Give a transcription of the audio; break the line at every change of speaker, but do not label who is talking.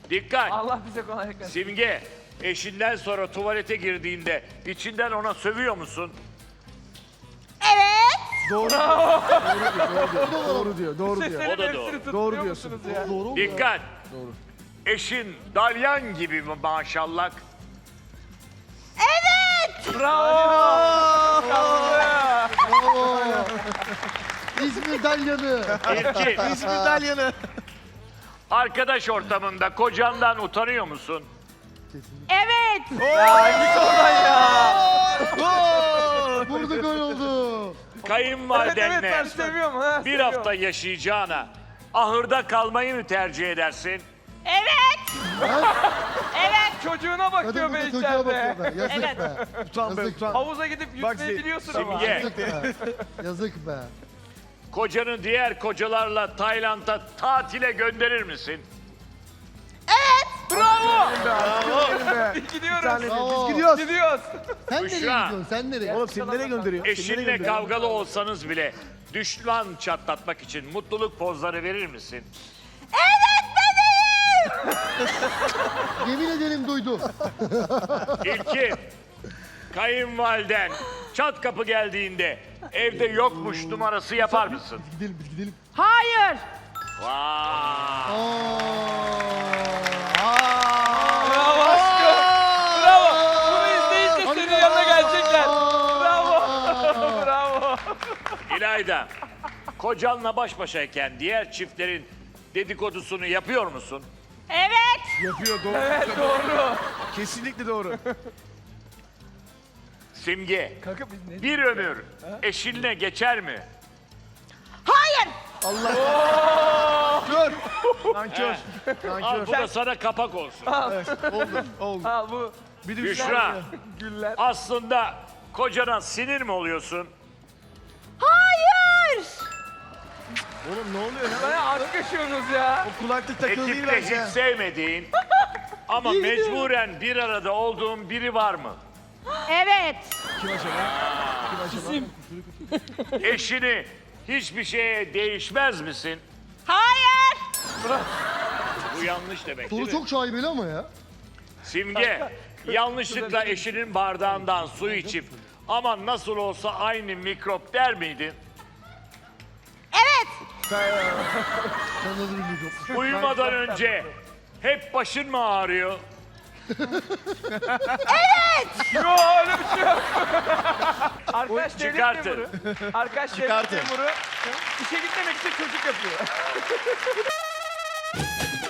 Dikkat.
Allah bize kolaylık versin.
Simge, eşinden sonra tuvalete girdiğinde içinden ona sövüyor musun?
Evet.
Doğru diyor. Doğru diyor.
Seslerin
O da
hepsini
doğru.
tutturuyor
Doğru diyorsun.
musunuz ya?
Doğru mu?
Dikkat.
Doğru.
Eşin dalyan gibi mi maşallah?
Evet.
Bravo.
İzmir Dalyanı.
İlkin,
İzmir Dalyanı.
arkadaş ortamında kocandan utanıyor musun?
Evet.
Git oradan ya.
Vurdu gol oldu.
Evet evet
Kayınvalidenle
ben seviyorum. Ha,
bir
seviyorum.
hafta yaşayacağına ahırda kalmayı mı tercih edersin?
Evet. Evet.
Çocuğuna bakıyor
Kadın
be
burada çocuğa bakıyor
içeride.
be. Yazık
Evet.
be.
Utan be
Yazık.
utan.
Havuza gidip
Bak,
yüzmeyi biliyorsun ama.
Simge,
Yazık be. Yazık be.
kocanı diğer kocalarla Tayland'a tatile gönderir misin?
Bravo.
Bir
Gidiyoruz.
tane
Bravo.
biz gidiyoruz.
Gidiyoruz.
Sen nereye
Büşra.
gidiyorsun? Sen nereye?
Oğlum seni nereye gönderiyor? Seni nereye
Eşinle
gönderiyor?
kavgalı olsanız bile düşman çatlatmak için mutluluk pozları verir misin?
Yemin ederim duydum.
İlkin, kayınvaliden çat kapı geldiğinde evde yokmuş numarası yapar mısın?
Gidelim biz gidelim.
Hayır.
Vay!
Bravo aşkım. Bravo. Bunu izleyince senin yanına gelecekler. Bravo. Bravo.
İlayda, kocanla baş başayken diğer çiftlerin dedikodusunu yapıyor musun?
Evet.
Yapıyor doğru.
Evet doğru.
Kesinlikle doğru.
Simge,
Kanka biz ne?
bir ömür eşinle geçer mi?
Hayır.
Kör. Nankör.
Al
Nankör.
bu da sana kapak olsun.
Evet, oldu. Oldu.
Al bu
Bir de
Büşra,
güller.
aslında kocana sinir mi oluyorsun?
Hayır.
Oğlum ne oluyor ya?
Bana aşk yaşıyorsunuz ya.
O kulaklık takılı değil
Ekipte
bence.
hiç sevmediğin ama mecburen bir arada olduğun biri var mı?
Evet.
Kim acaba? Kim acaba?
Eşini hiçbir şeye değişmez misin?
Hayır.
Bu yanlış demek değil
Soru
mi?
çok şaibeli ama ya.
Simge, yanlışlıkla eşinin bardağından su içip ama nasıl olsa aynı mikrop der miydin?
Evet.
Sen nasıl bilmiyorsun?
Uyumadan önce hep başın mı ağrıyor?
Yo öyle bir şey yok. Arkadaş devlet
Çıkartın.
memuru. Arkadaş devlet
Çıkartın.
memuru. İşe gitmemek için çocuk yapıyor.